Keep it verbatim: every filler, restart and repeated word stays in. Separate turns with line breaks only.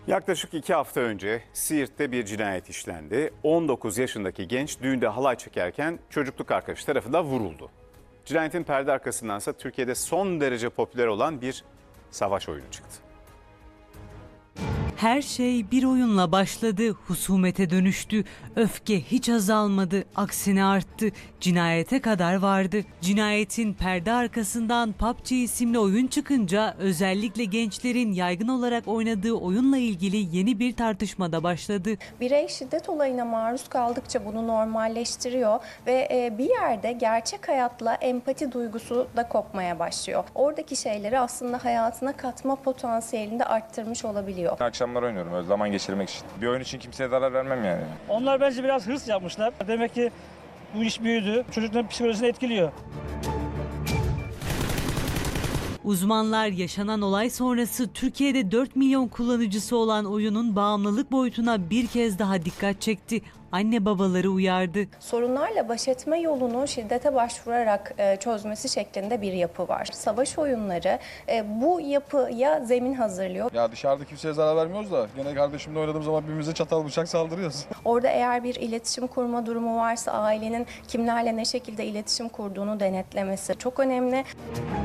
Yaklaşık iki hafta önce Siirt'te bir cinayet işlendi. on dokuz yaşındaki genç düğünde halay çekerken çocukluk arkadaşı tarafından vuruldu. Cinayetin perde arkasındansa Türkiye'de son derece popüler olan bir savaş oyunu çıktı.
Her şey bir oyunla başladı, husumete dönüştü. Öfke hiç azalmadı, aksine arttı. Cinayete kadar vardı. Cinayetin perde arkasından P U B G isimli oyun çıkınca özellikle gençlerin yaygın olarak oynadığı oyunla ilgili yeni bir tartışma da başladı.
Birey şiddet olayına maruz kaldıkça bunu normalleştiriyor ve bir yerde gerçek hayatla empati duygusu da kopmaya başlıyor. Oradaki şeyleri aslında hayatına katma potansiyelini de arttırmış olabiliyor.
Akşamlar oynuyorum öyle zaman geçirmek için. Bir oyun için kimseye zarar vermem yani.
Onlar bence biraz hırs yapmışlar. Demek ki bu iş büyüdü. Çocukların psikolojisini etkiliyor.
Uzmanlar yaşanan olay sonrası Türkiye'de dört milyon kullanıcısı olan oyunun bağımlılık boyutuna bir kez daha dikkat çekti. Anne babaları uyardı.
Sorunlarla baş etme yolunu şiddete başvurarak çözmesi şeklinde bir yapı var. Savaş oyunları bu yapıya zemin hazırlıyor.
Ya dışarıda kimseye zarar vermiyoruz da gene kardeşimle oynadığım zaman birbirimize çatal bıçak saldırıyoruz.
Orada eğer bir iletişim kurma durumu varsa ailenin kimlerle ne şekilde iletişim kurduğunu denetlemesi çok önemli.